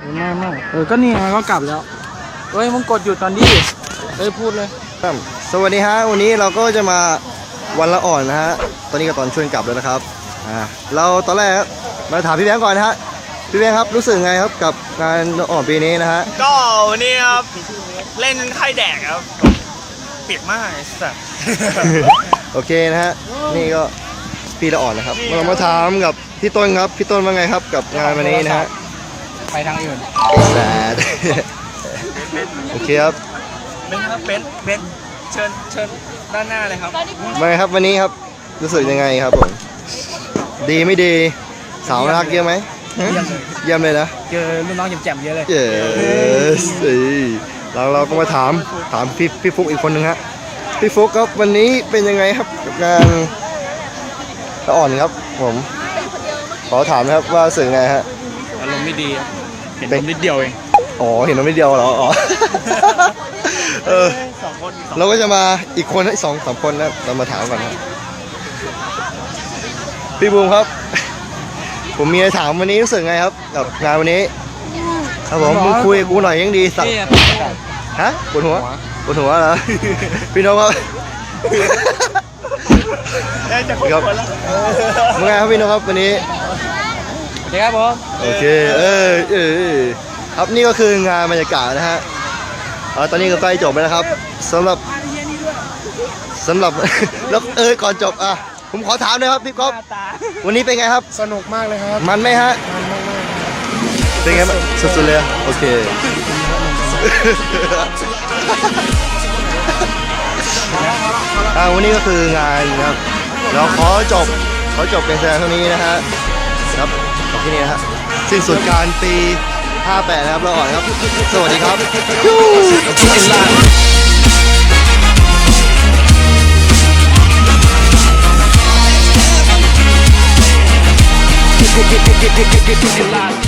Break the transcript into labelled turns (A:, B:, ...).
A: ไม่ก็นี่ไงก็กลับแล้วเฮ้ยมึงกดหยุดตอนนี้พูดเลย
B: สวัสดีฮะวันนี้เราก็จะมาวันละอ่อนนะฮะตอนนี้ก็ตอนชวนกลับแล้วนะครับเราตอนแรกมาถามพี่แบงค์ก่อนนะฮะพี่แบงค์ครับรู้สึกไงครับกับงานละอ่อนปีนี้นะฮะ
C: ก็วันนี้ครับเล่นไข่แดกครับเปียกมากสัส
B: โอเคนะฮะนี่ก็พี่ละอ่อนนะครับเรามาถามกับพี่ต้นครับพี่ต้นว่าไงครับกับงานวันนี้นะฮะ
A: ไปทางอื่น
B: แต่โอเคครับ
C: เป็นเชิญด้านหน้าเลยครับ
B: มาครับวันนี้ครับรู้สึกยังไงครับผมดีไม่ดีสาวรักเยอะไหมเยี่ยมเลยนะ
A: เจอรุ่นน้องแจ่มๆเยอะเลย
B: เราก็มาถามพี่ฟุกอีกคนนึงฮะพี่ฟุกครับวันนี้เป็นยังไงครับกับงานละอ่อนครับผมขอถามนะครับว่าสื่อไงฮะ
A: อารมณ์ไม่ดีเห็นนมนิดเดียวเอง
B: อ๋อเห็นนมนิดเดียวเหรออ๋อเราก็จะมาอีกคนให้2-3 คนนะเรามาถามก่อนครับพี่บูมครับผมมีอะไรถามวันนี้รู้สึกไงครับกับงานวันนี้ครับผมมึงคุยกับกูหน่อยยังดีสักฮะปวดหัวเหรอพี่น้องครับครับเมื่อไงครับพี่น้องครับวันนี้
A: โอเคครับผม
B: โอเคครับนี่ก็คืองานบรรยากาศนะฮะตอนนี้ก็ใกล้จบแล้วนะครับสำหรับแล้วก่อนจบผมขอถามเลยครับพี่ก๊อฟวันนี้เป็นไงครับ
A: สนุกมากเลยครับ
B: มันไหมฮะเป็นไงบ้างสุดๆเลยโอเควันนี้ก็คืองานนะครับเราขอจบเป็นแสดงเท่านี้นะฮะครับจบที่นี่นะฮะสิ้นสุดการปี58นะครับเราอ่อนครับสวัสดีครับ
D: Get